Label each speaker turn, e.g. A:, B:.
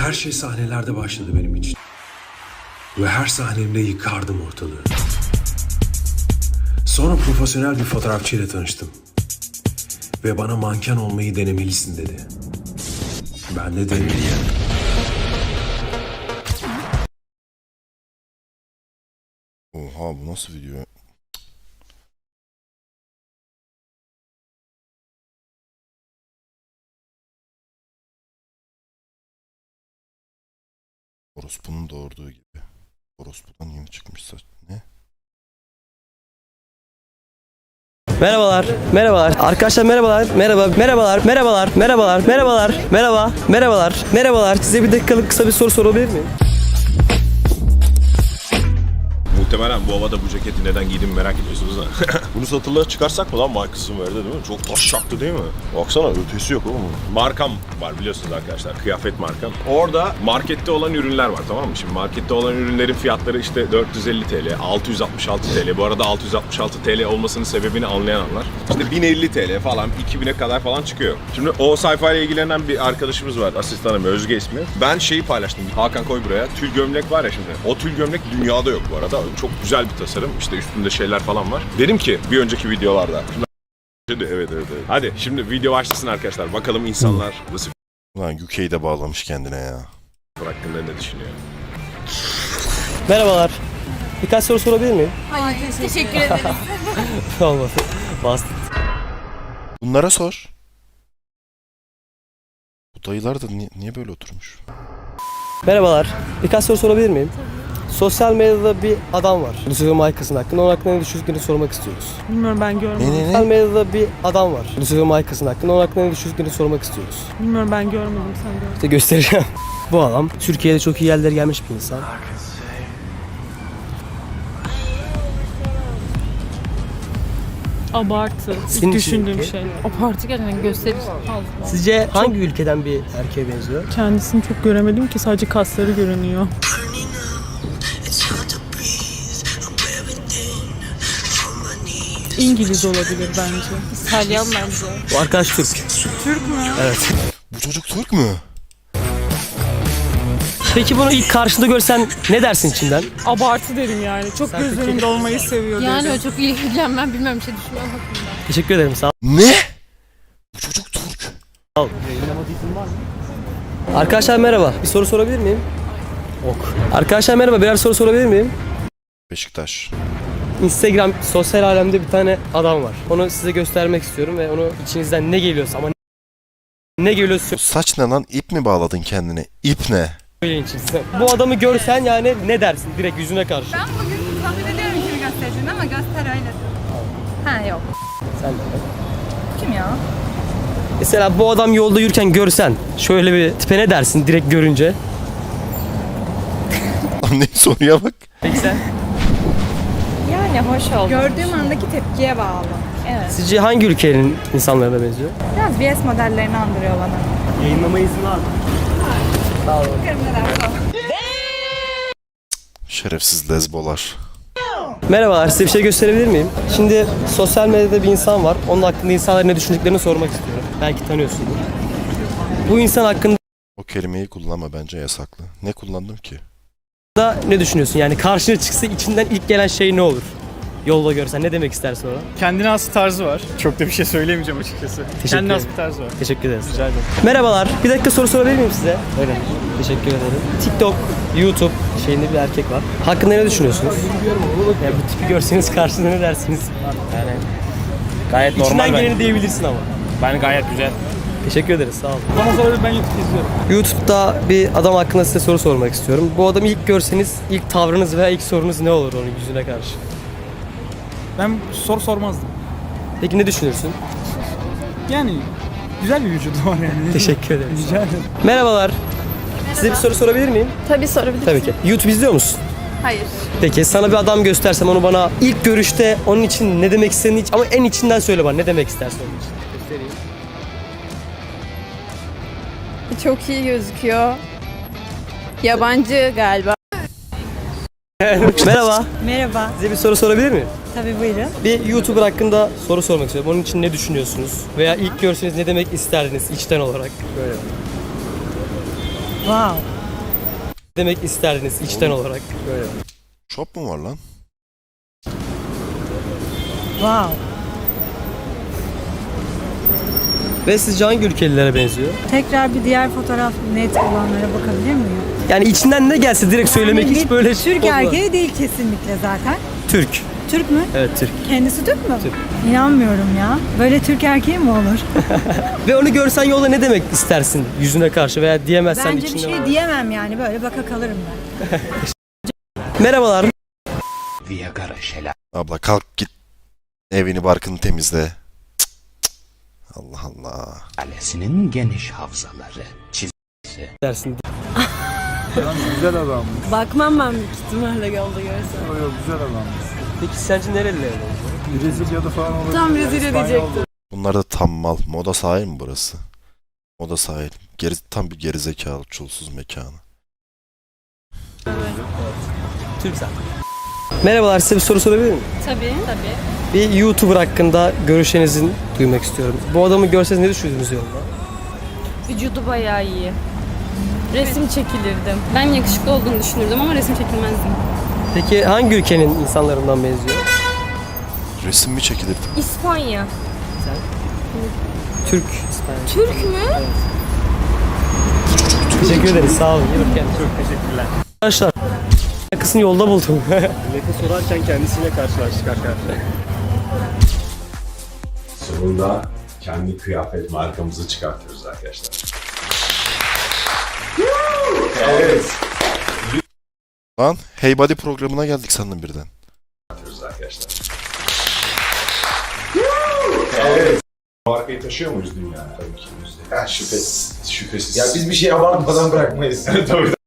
A: Her şey sahnelerde başladı benim için. Ve her sahnemde yıkardım ortalığı. Sonra profesyonel bir fotoğrafçıyla tanıştım. Ve bana manken olmayı denemelisin dedi. Ben de denedim.
B: Oha, bu nasıl video? Orospu'nun doğurduğu gibi. Orospu'dan yeni çıkmış saç. Ne?
C: Merhabalar, merhabalar. Arkadaşlar merhabalar, merhabalar, merhabalar. Size bir dakikalık kısa bir soru sorabilir miyim?
D: Muhtemelen bu havada bu ceketi neden giydiğimi merak ediyorsunuz ha. Bunu satılığa çıkarsak mı lan Michael Smith'de değil mi? Çok taş çaktı değil mi? Baksana, ötesi yok oğlum. Markam var biliyorsunuz arkadaşlar, kıyafet markam. Orada markette olan ürünler var, tamam mı? Şimdi markette olan ürünlerin fiyatları işte 450 TL, 666 TL. Bu arada 666 TL olmasının sebebini anlayanlar. İşte 1050 TL falan, 2000'e kadar falan çıkıyor. Şimdi o sayfayla ilgilenen bir arkadaşımız var, asistanım, Özge ismi. Ben şeyi paylaştım, Hakan koy buraya. Tül gömlek var ya şimdi. O tül gömlek dünyada yok bu arada. Çok güzel bir tasarım. İşte üstünde şeyler falan var. Dedim ki bir önceki videolarda. Evet. Hadi şimdi video başlasın arkadaşlar. Bakalım insanlar nasıl
B: Ulan UK'de bağlamış kendine ya.
D: hakkında ne düşünüyor?
C: Merhabalar. Birkaç soru sorabilir miyim?
E: Hayır, teşekkür ederim.
C: Olmadı. Bastım.
B: Bunlara sor. Bu dayılar da niye böyle oturmuş?
C: Merhabalar. Birkaç soru sorabilir miyim? Sosyal medyada bir adam var. Lucifer Michaels'ın hakkında. Onun hakkında ne düşündüklerini sormak istiyoruz.
F: Bilmiyorum, ben görmedim.
C: Sosyal medyada bir adam var. Lucifer Michaels'ın hakkında. Onun hakkında ne düşündüklerini sormak istiyoruz.
F: Bilmiyorum, ben görmedim, sen gör.
C: İşte göstereceğim. Bu adam Türkiye'de çok iyi yerlere gelmiş bir insan.
F: Abartı.
C: Senin
F: İlk
C: için
F: düşündüğüm
C: ülke?
F: şey. Abartı gerçekten gösteriş fazla.
C: Sizce hangi ülkeden bir erkeğe benziyor?
F: Kendisini çok göremedim ki, sadece kasları görünüyor. İngiliz olabilir bence.
E: İtalyan bence.
C: Bu arkadaş Türk.
F: Türk mü?
C: Evet.
B: Bu çocuk Türk mü?
C: Peki bunu ilk karşında görsen ne dersin içinden?
F: Abartı derim yani. Çok
C: Sen
F: göz
C: peki-
F: önünde olmayı seviyor
E: Yani
F: derim.
E: o çok ilgileneceğim, ben bilmem bir şey düşünmem hakkında.
C: Teşekkür ederim, sağ ol.
B: Ne? Bu çocuk Türk.
C: Arkadaşlar merhaba. Bir soru sorabilir miyim? Ok. Arkadaşlar merhaba. Birer soru sorabilir miyim?
B: Beşiktaş.
C: Instagram sosyal alemde bir tane adam var. Onu size göstermek istiyorum ve onu içinizden ne geliyorsa ama ne geliyorsa
B: Saç ne lan? İp mi bağladın kendine? İp ne?
C: söyleyin içinizden. Bu adamı görsen yani ne dersin direkt yüzüne karşı?
G: Ben bugün tahmin ediyorum kimi göstereceğini ama göster öyle. Ha yok.
C: Sen de.
G: Kim ya?
C: Mesela bu adam yolda yürürken görsen şöyle bir tipe ne dersin direkt görünce?
B: Anne soruya bak.
C: Peki sen?
G: Yani hoş oldu. Gördüğüm andaki tepkiye bağlı. Evet.
C: Sizce hangi ülkenin insanlarına benziyor?
G: Biraz BS modellerini andırıyor bana.
C: Yayınlama izni var mı? Sağ olun.
G: Bakarım ne derse.
B: Şerefsiz lezbolar.
C: Merhabalar, size bir şey gösterebilir miyim? Şimdi sosyal medyada bir insan var. Onun hakkında insanların ne düşündüklerini sormak istiyorum. Belki tanıyorsundur. Bu insan hakkında
B: O kelimeyi kullanma, bence yasaklı. Ne kullandım ki?
C: ne düşünüyorsun? Yani karşına çıksa içinden ilk gelen şey ne olur? Yolda görsen ne demek istersin ona?
H: Kendine has bir tarzı var. Çok da bir şey söyleyemeyeceğim açıkçası. Kendine has
C: ederim.
H: bir tarzı var.
C: Teşekkür ederiz.
H: Rica ederim.
C: Merhabalar, bir dakika soru sorabilir miyim size? Öyle. Teşekkür ederim. TikTok, YouTube şeyinde bir erkek var. Hakkında ne düşünüyorsunuz? Yani bu tipi görseniz karşında ne dersiniz?
H: Yani gayet normal
C: İçinden
H: ben.
C: geleni diyebilirsin ama.
H: Ben gayet güzel.
C: Teşekkür ederiz, sağ olun.
H: Bana sorabilir, ben YouTube izliyorum.
C: YouTube'da bir adam hakkında size soru sormak istiyorum. Bu adamı ilk görseniz ilk tavrınız veya ilk sorunuz ne olur onun yüzüne karşı?
H: Ben soru sormazdım.
C: Peki ne düşünürsün?
H: Yani güzel bir vücudu var yani.
C: Teşekkür ederim.
H: Rica ederim.
C: Merhabalar. Size bir soru sorabilir miyim?
G: Tabii sorabilirsin.
C: Tabii ki. YouTube izliyor musun?
G: Hayır.
C: Peki sana bir adam göstersem onu bana ilk görüşte onun için ne demek istediğini ama en içinden söyle bana ne demek istersin onun için. Göstereyim.
G: Çok iyi gözüküyor. Yabancı galiba.
C: Merhaba.
I: Merhaba,
C: Size bir soru sorabilir miyim?
I: tabii buyurun.
C: Bir YouTuber hakkında soru sormak istiyorum. Onun için ne düşünüyorsunuz? Veya ilk görseniz ne demek isterdiniz içten olarak? Böyle.
G: Wow.
C: Demek isterdiniz içten olarak. Böyle.
B: Shop mu var lan?
G: Wow.
C: Ve sizce hangi ülkelilere benziyor?
G: Tekrar bir diğer fotoğraf net olanlara bakabilir miyim?
C: Yani içinden ne gelse direkt söylemek hiç böyle
G: Türk
C: olmaz.
G: erkeği değil kesinlikle zaten.
C: Türk.
G: Türk mü?
C: Evet Türk.
G: Kendisi Türk mü?
C: Türk.
G: İnanmıyorum ya. Böyle Türk erkeği mi olur?
C: Ve onu görsen yolda ne demek istersin yüzüne karşı veya diyemezsen
G: Bence bir
C: içinde.
G: şey diyemem yani. Böyle baka kalırım ben.
C: Merhabalar.
B: Abla kalk git. Evini barkını temizle. Cık, cık. Allah Allah.
I: Kalesinin geniş havzaları,
C: Dersin.
H: Güzel adam.
E: Bakmam ben büyük ihtimalle yolda görsem.
H: Yok güzel adam.
C: Peki sence nereliler?
H: Brezilya'da falan olabilir.
E: Tam Brezilya diyecektim.
B: Bunlar da tam mal. Moda sahil mi burası? Moda sahil. Tam bir gerizekalı çulsuz mekanı.
C: Türk zaten. Merhabalar, size bir soru sorabilir miyim?
E: Tabii.
C: Bir YouTuber hakkında görüşlerinizi duymak istiyorum. Bu adamı görseniz ne düşünürsünüz yolda?
E: Vücudu bayağı iyi. Resim çekilirdim. Ben yakışıklı olduğunu düşünürdüm ama resim çekilmezdim.
C: Peki hangi ülkenin insanlarından benziyor?
B: Resim mi çekilirdi?
E: İspanya.
C: Türk, İspanya.
E: Türk mü?
C: Teşekkür ederiz, sağ olun. İyi bakın kendinize.
H: Çok teşekkürler.
C: Arkadaşlar, kısmını yolda buldum.
H: Nefes sorarken kendisiyle karşılaştık arkadaşlar.
D: Sonunda kendi kıyafet markamızı çıkartıyoruz arkadaşlar. Evet.
B: Lan Hey Buddy programına geldik sandım birden.
D: Çıkartıyoruz arkadaşlar. Evet. Markayı taşıyor muyuz dünyada? Tabii ki. Şüphesiz. Ya biz bir şey abartmadan bırakmayız. Tabii.